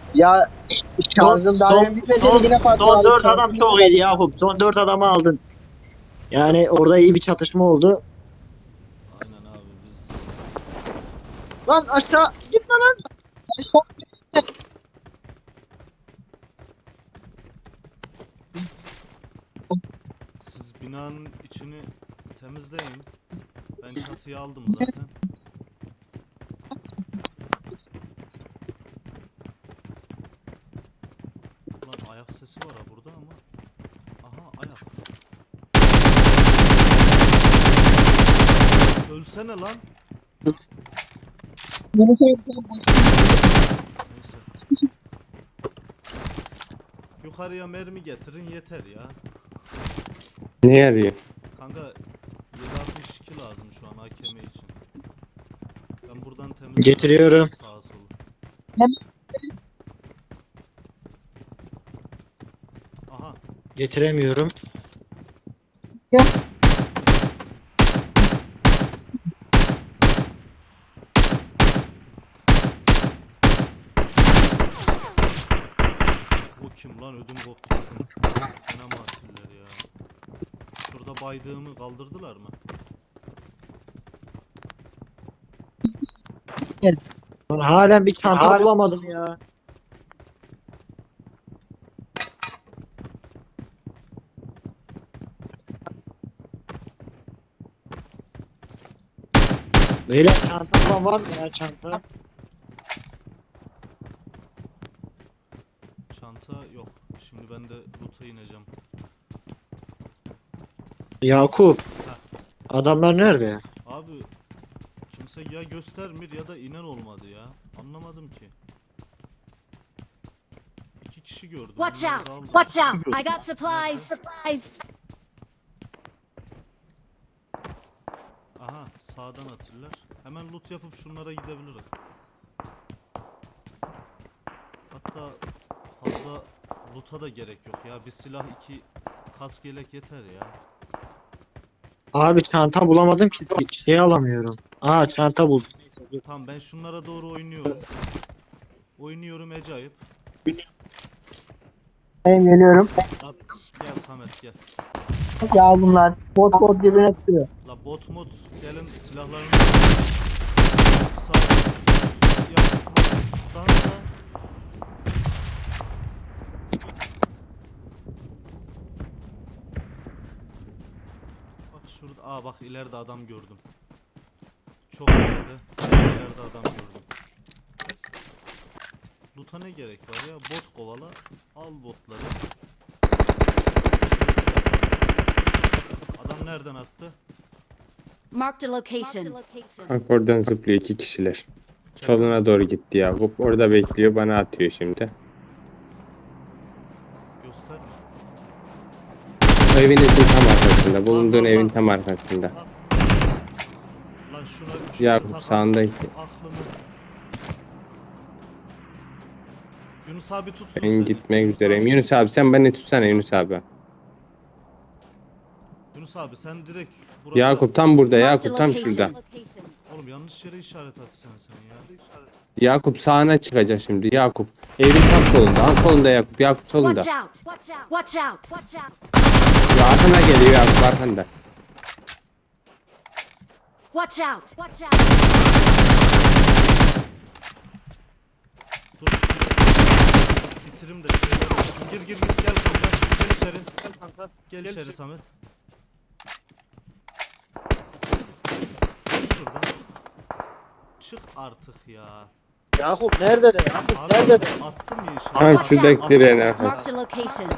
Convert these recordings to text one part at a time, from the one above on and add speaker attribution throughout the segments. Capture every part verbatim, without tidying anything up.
Speaker 1: Ya şarjım daha
Speaker 2: son,
Speaker 1: benim bitmedi
Speaker 2: son,
Speaker 1: yine patladı.
Speaker 2: son dört adam çok iyiydi Yakup. Son dört adamı aldın. Yani orada iyi bir çatışma oldu.
Speaker 3: Aynen abi biz.
Speaker 2: Lan aşağı gitme lan.
Speaker 3: Siz binanın içini temizleyin. Ben çatıyı aldım zaten. Ulan ayak sesi var ha burada ama. Aha ayak. Ölsene lan. Neyse. Yukarıya mermi getirin yeter ya.
Speaker 4: Ne yarıyor?
Speaker 3: Kanka yedi altmış iki lazım şu an A K M için. Ben buradan temizledim.
Speaker 2: Getiriyorum.
Speaker 3: Sağa sola. Aha.
Speaker 2: Getiremiyorum.
Speaker 3: O kim lan ödüm koptu. Fena matiller ya. Şurada baydığımı kaldırdılar mı?
Speaker 2: Lan halen bir çanta bulamadım ya. Beyler çanta falan var mı ya çanta?
Speaker 3: Çanta yok. Şimdi ben de loot'a ineceğim.
Speaker 2: Yakup. Adamlar nerede?
Speaker 3: Abi kimse ya göstermir ya da inen olmadı ya. Anlamadım ki. İki kişi gördüm.
Speaker 5: Watch
Speaker 3: onları
Speaker 5: out!
Speaker 3: da aldım.
Speaker 5: Watch out! I got supplies. Supplies.
Speaker 3: Aha sağdan atırlar. Hemen loot yapıp şunlara gidebiliriz. Hatta fazla loot'a da gerek yok ya. Bir silah iki kask yelek yeter ya.
Speaker 2: Abi çanta bulamadım ki şey alamıyorum. Aa çanta buldum.
Speaker 3: Tamam ben şunlara doğru oynuyorum. Oynuyorum acayip.
Speaker 1: Ben geliyorum.
Speaker 3: Gel Samet gel.
Speaker 1: Ya bunlar bot bot birbirine tutuyor.
Speaker 3: La bot mod gelin silahlarını sağ yapmadan da bak şurada aa bak ileride adam gördüm. Çok ileride. İleride adam gördüm. Loot'a ne gerek var ya? Bot kovala. Al botları. Adam nereden attı?
Speaker 5: Marked a location.
Speaker 4: Bak oradan zıplıyor iki kişiler. Soluna doğru gitti Yakup. Orada bekliyor, bana atıyor şimdi.
Speaker 3: Gösterme.
Speaker 4: O evinizin tam arkasında. Bulunduğun
Speaker 3: Lan, lan,
Speaker 4: evin
Speaker 3: lan.
Speaker 4: tam arkasında.
Speaker 3: Lan şuna üç
Speaker 4: Yakup,
Speaker 3: takalım.
Speaker 4: sağındaki.
Speaker 3: Aklımı. Yunus abi tutsun
Speaker 4: Ben
Speaker 3: seni.
Speaker 4: gitmek
Speaker 3: Yunus
Speaker 4: üzereyim.
Speaker 3: abi-
Speaker 4: Yunus abi sen beni tutsana Yunus abi.
Speaker 3: Yunus abi sen direkt burada.
Speaker 4: Yakup tam burada,
Speaker 5: Marked a
Speaker 4: Yakup tam
Speaker 5: location.
Speaker 4: şurada.
Speaker 3: Oğlum yanlış yere işaret atsana sen ya.
Speaker 4: Yakup sağına çıkacak şimdi. Yakup evin tam solunda. Al solunda Yakup. Yakup solunda.
Speaker 5: Watch out! Watch out! Watch out!
Speaker 4: Ya arkana geliyor Yakup, arkanda.
Speaker 5: Watch out! Watch out!
Speaker 3: Dur şunu. Bitirim de şeyler olsun. Gir gir gir gel kanka. Gel içeri. Gel kanka. Gel içeri Samet. Gel şuradan. Çık artık ya.
Speaker 2: Yakup nerede de? Yakup
Speaker 3: Abi
Speaker 2: nerede de?
Speaker 3: attım ya işaret.
Speaker 4: Ha
Speaker 5: Watch
Speaker 4: şuradaki
Speaker 5: out.
Speaker 4: direğin arkasında.
Speaker 5: Marked a location.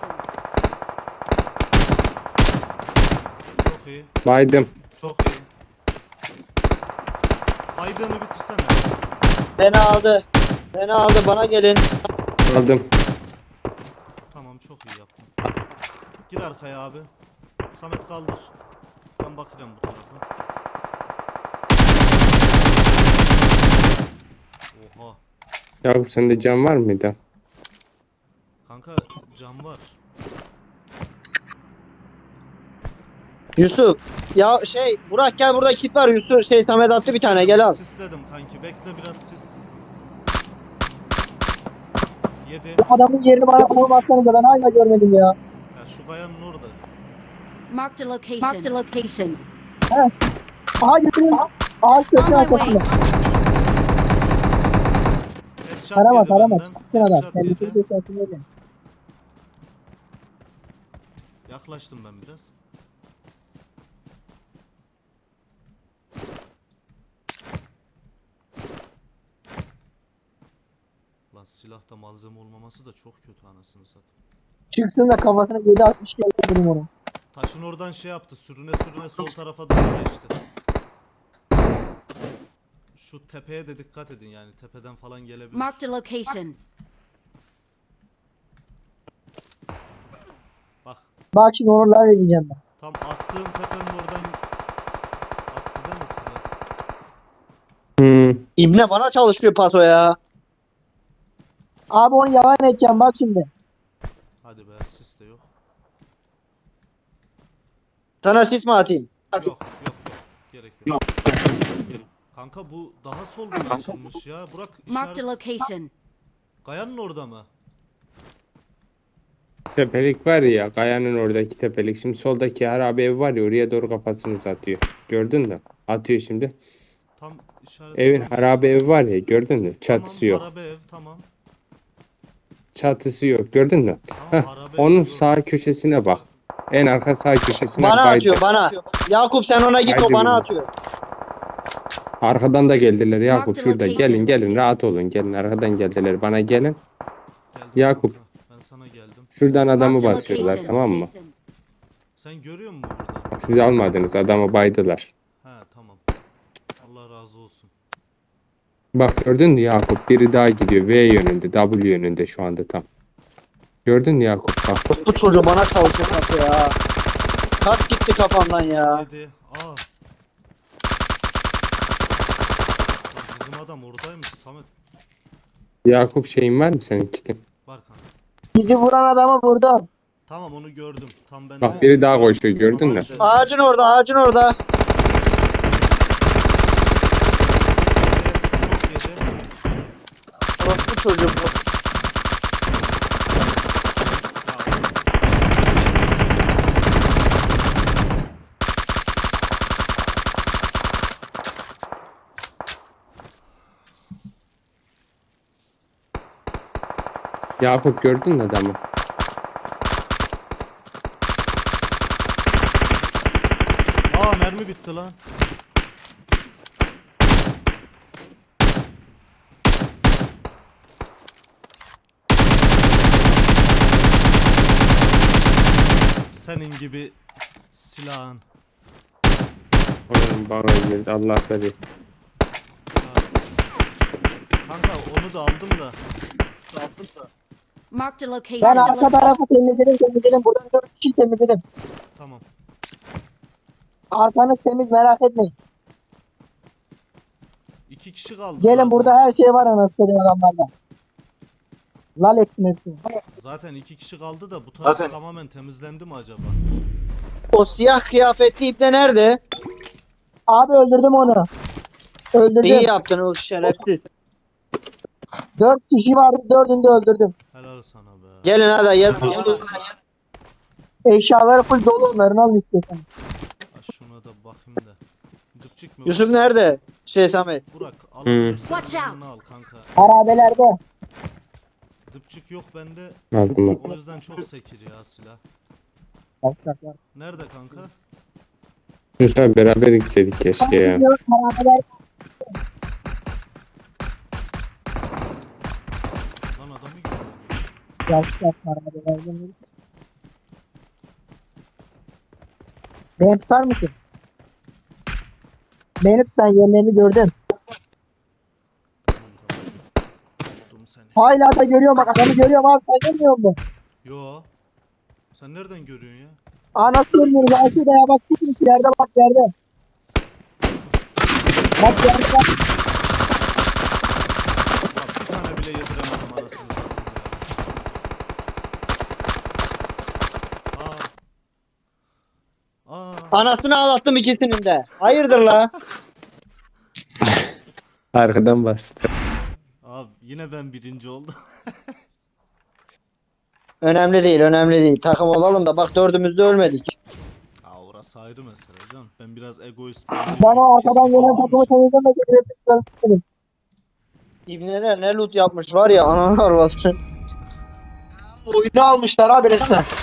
Speaker 3: Çok iyi.
Speaker 4: Baydım.
Speaker 3: Çok iyi. Baydığını bitirsene.
Speaker 2: Beni aldı. Beni aldı bana gelin.
Speaker 4: Aldım.
Speaker 3: Tamam çok iyi yaptın. Gir arkaya abi. Samet kaldır. Ben bakacağım bu tarafa. Oha.
Speaker 4: Yakup sende cam var mıydı?
Speaker 3: Kanka cam var.
Speaker 2: Yusuf. Ya şey Burak gel burada kit var Yusuf şey Samet attı bir tane gel al.
Speaker 3: Sisledim kanki. Bekle biraz sis. Yedi.
Speaker 1: Adamın yerini bana sormazsanız da ben hala görmedim ya.
Speaker 3: Ya şu kayanın orada.
Speaker 5: Marked a location. Marked a location.
Speaker 1: Aha götürün. Ağaç köşe
Speaker 5: On my way.
Speaker 1: arkasında.
Speaker 3: Headshot
Speaker 1: Tarama
Speaker 3: yedi
Speaker 1: tarama.
Speaker 3: benden.
Speaker 1: Çıksın adam.
Speaker 3: Headshot
Speaker 1: Kendisi
Speaker 3: yedi.
Speaker 1: köşe arkasında.
Speaker 3: Yaklaştım ben biraz. Lan silahta malzeme olmaması da çok kötü anasını satayım.
Speaker 1: Çıksın da kafasına yedi altmış geldi benim onu.
Speaker 3: Taşın oradan şey yaptı. Sürüne sürüne sol tarafa doğru geçti. Şu tepeye de dikkat edin yani. Tepeden falan gelebilir.
Speaker 5: Marked a location.
Speaker 3: Bak.
Speaker 1: Bak şimdi onu live edeceğim ben.
Speaker 3: Tam attığım tepenin oradan attı değil mi size?
Speaker 4: Hmm.
Speaker 2: İbne bana çalışıyor paso ya.
Speaker 1: Abi onu yalan edeceğim bak şimdi.
Speaker 3: Hadi be sis de yok.
Speaker 2: Sana sis mi atayım?
Speaker 3: Yok yok yok. Gerek yok. Kanka bu daha soldan açılmış ya. Burak
Speaker 5: Marked a
Speaker 3: işaret.
Speaker 5: location.
Speaker 3: Kayanın orada mı?
Speaker 4: Tepelik var ya, kayanın oradaki tepelik. Şimdi soldaki harabe ev var ya, oraya doğru kafasını uzatıyor. Gördün mü? Atıyor şimdi.
Speaker 3: Tam işaret.
Speaker 4: Evin harabe evi var ya, gördün mü?
Speaker 3: Tamam,
Speaker 4: Çatısı yok.
Speaker 3: Arabe ev tamam.
Speaker 4: Çatısı yok, gördün mü?
Speaker 3: Tamam
Speaker 4: Heh,
Speaker 3: arabe ev.
Speaker 4: onun
Speaker 3: yok.
Speaker 4: sağ köşesine bak. En arka sağ köşesine
Speaker 2: Bana
Speaker 4: baydı.
Speaker 2: atıyor bana. Yakup sen ona git o
Speaker 4: Haydi
Speaker 2: bana
Speaker 4: yürü.
Speaker 2: atıyor.
Speaker 4: Arkadan da geldiler Yakup,
Speaker 5: Marked
Speaker 4: şurada.
Speaker 5: location.
Speaker 4: Gelin gelin, rahat olun. Gelin, arkadan geldiler. Bana gelin.
Speaker 3: Geldim
Speaker 4: Yakup.
Speaker 3: kanka, ben sana geldim.
Speaker 4: Şuradan adamı
Speaker 5: Marked a
Speaker 4: basıyorlar,
Speaker 5: location.
Speaker 4: tamam mı?
Speaker 3: Sen görüyor musun buradan?
Speaker 4: Siz almadınız, adamı baydılar.
Speaker 3: He tamam. Allah razı olsun.
Speaker 4: Bak gördün mü Yakup? Biri daha gidiyor. V yönünde, W yönünde şu anda tam. Gördün mü Yakup? Bak.
Speaker 2: Bu çocuğu bana çalışıyor paso ya. Kat gitti kafamdan ya.
Speaker 3: Yedi. Aa. Lan bizim adam oradaymış Samet.
Speaker 4: Yakup şeyin var mı senin kitin?
Speaker 3: Var kanka.
Speaker 1: Bizi vuran adamı vurdum.
Speaker 3: Tamam onu gördüm. Tam ben
Speaker 4: Bak
Speaker 3: de-
Speaker 4: biri daha koşuyor, gördün mü?
Speaker 3: Ağacın-
Speaker 2: Ağacın orada ağacın orada.
Speaker 3: Çok yedi.
Speaker 2: Orası çocuğu bu.
Speaker 4: Yakup gördün mü adamı?
Speaker 3: Aa mermi bitti lan. Senin gibi silahın.
Speaker 4: Onun bana girdi, Allah bilir.
Speaker 3: Kanka onu da aldım da.
Speaker 5: Marked a
Speaker 1: Ben
Speaker 5: location.
Speaker 1: arka tarafı temizledim temizledim. Buradan dört kişi temizledim.
Speaker 3: Tamam.
Speaker 1: Arkanız temiz merak etmeyin.
Speaker 3: İki kişi kaldı
Speaker 1: Gelin
Speaker 3: zaten.
Speaker 1: burada her şey var anasını adamlarda. Lal etsin hepsini.
Speaker 3: Zaten iki kişi kaldı da bu taraf tamamen temizlendi mi acaba?
Speaker 2: O siyah kıyafetli ibne nerede?
Speaker 1: Abi öldürdüm onu. Öldürdüm.
Speaker 2: İyi yaptın o şerefsiz.
Speaker 1: Dört kişi vardı dördünü de öldürdüm.
Speaker 3: Helal sana be.
Speaker 2: Gelin hadi gel.
Speaker 1: Eşyaları full dolu onların alın istiyorsan.
Speaker 3: Ha, şuna da bakayım da. Dipçik mi?
Speaker 2: Yusuf nerede? Şey Samet.
Speaker 3: Burak alabilirsen
Speaker 5: Watch
Speaker 3: yanına
Speaker 5: out.
Speaker 3: al kanka.
Speaker 1: Harabelerde.
Speaker 3: Dipçik yok bende.
Speaker 4: Aldım.
Speaker 3: O yüzden çok sekir ya silah.
Speaker 1: Bak, bak, bak.
Speaker 3: Nerede kanka?
Speaker 4: Yusuf beraber gitseydik keşke ya.
Speaker 1: Harabeler.
Speaker 3: Lan adamı görüyorum.
Speaker 1: Bak, bak, harabelerde. Beni tutar mısın? Beni tut ben yerlerini gördüm.
Speaker 3: Tamam tamam. Tuttum seni.
Speaker 1: Hala da görüyorum bak adamı görüyorum abi sen görmüyor musun?
Speaker 3: Yo. Sen nereden görüyorsun ya?
Speaker 1: Aa nasıl görmüyoruz? Aa şurada ya bak gitmiş yerde bak yerde. Bak yerde bak.
Speaker 3: Bak bir tane bile yediremedim anasını satayım ya. Aa. Aa.
Speaker 2: Anasını ağlattım ikisinin de. Hayırdır la?
Speaker 4: Arkadan bastı.
Speaker 3: Abi yine ben birinci oldum.
Speaker 2: Önemli değil, önemli değil. Takım olalım da bak dördümüz de ölmedik.
Speaker 3: Aa, orası ayrı mesele canım. Ben biraz egoist.
Speaker 1: Ben o arkadan gelen takımı temizlemedim. Temizlemedim.
Speaker 2: İbneler ne loot yapmış var ya ananı arvası. Oyunu almışlar abi resmen.